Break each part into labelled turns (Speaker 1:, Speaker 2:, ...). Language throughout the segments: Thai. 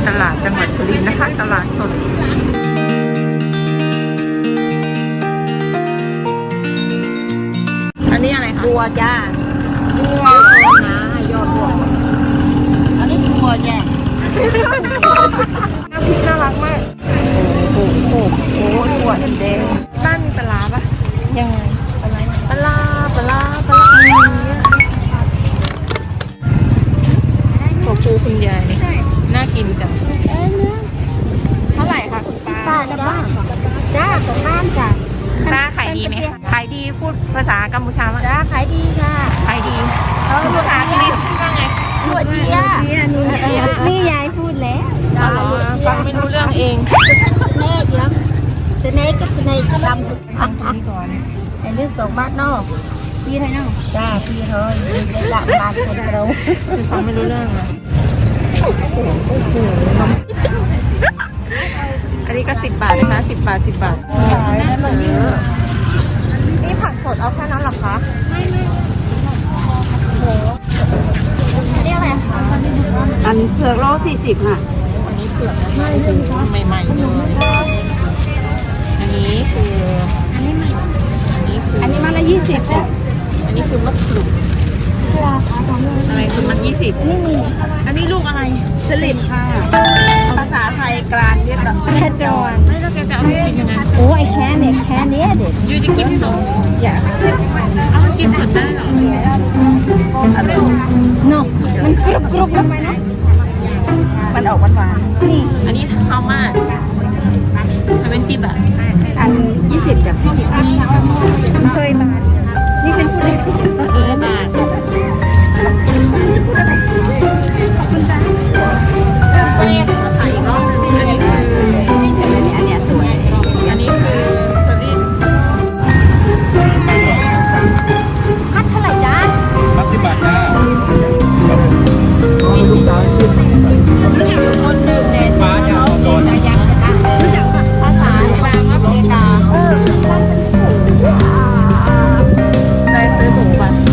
Speaker 1: ตลาดจังหวัดสุรินทร์นะคะตลาดสดอันนี้อะไรคะบัวจ้าบัวนะยอดบัวอันนี้บัวจ้าน้ำพริกน่ารักมากโอ้โหถั่วแดงบ้านมีปลาปะยังไงปลาถั่วพูคุณยายนี่น่ากินจังเท่าไหร่คะคุณป้า
Speaker 2: ป้าดับบ้านจ้าของบ้านจ้ะ
Speaker 1: ป้าขายดีไหมคะขายดีพูดภาษากัมพูชาว่า
Speaker 2: จ้าขายดีค่ะ
Speaker 1: ขายดีภาษาอังกฤษว่าไง
Speaker 2: ตัวเดียนี่ยายพูดแล้ว
Speaker 1: อ๋อฟังไม่รู้เรื่องเอง
Speaker 2: เน่เยอะสเนกกับสเนกดำไอ้เรื่องของบ้านนอกพี่ไทยนอกจ้าพี่เธอหลักบ้านคนเรา
Speaker 1: ฟังไม่รู้เรื่องเลยอันนี้ก็10 บาทนะคะ10 บาทนี่ผักสดเอาแค่นั้นหรอคะไม่โหอันนี้อะไรคะ
Speaker 2: อันเผือกโล40ค่ะ
Speaker 1: อันนี้เผือกใหม่ๆเลยอันนี้คือ
Speaker 2: อันนี้มาละ20จ้ะ
Speaker 1: อันนี้คือมะกรูดอะไรคือมัน20อันนี้ลูกอะไร
Speaker 2: สลิดค่ะภาษาไทยกลางเรียกแบบแค่จอน
Speaker 1: ไม่แล้วแกจะเอาไปกินยังไง
Speaker 2: โอ้ไอแค่เนี่ยแค่นี้เด็ด
Speaker 1: ยูจะกินสด
Speaker 2: อย่า
Speaker 1: เอากินสดได้หรอ
Speaker 2: เนาะมันกรุบทำไมนะมันออกหวานๆนี่
Speaker 1: อันนี้ข้าวมา20 บาท
Speaker 2: อัน20จ้ะเคยมานี่เป็นผู้เล่น
Speaker 1: บาทขายอีกรอบนึงอันนี้คือ
Speaker 2: อันเนี้ยสวย
Speaker 1: อันนี้คือสลิด
Speaker 2: พัดเท่าไหร่จ้า
Speaker 3: พัด10 บาทจ้า
Speaker 2: รู้จักคนหนึ่งในฟ้าจะเอาโดนรู้จักภาษาบางอัฟริกา
Speaker 1: ได้ซื้อถุงบัตร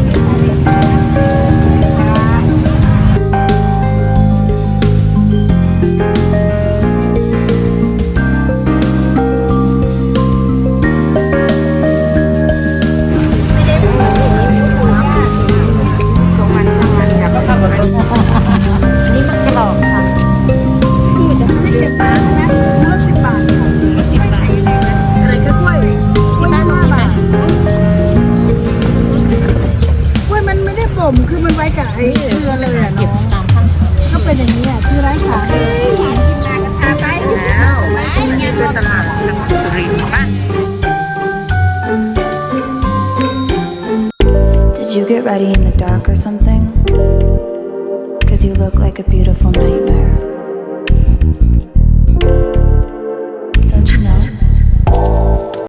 Speaker 2: คือมันไว้กับไอ้เกลือเลยอ่ะน้องก็เป็นอย่างนี้อ่ะคือไร้สาร
Speaker 1: แล้วนี่คือตลาดจังหวัดสุรินทร์ป่ะ
Speaker 4: Did you get ready in the dark or something? 'Cause you look like a beautiful nightmare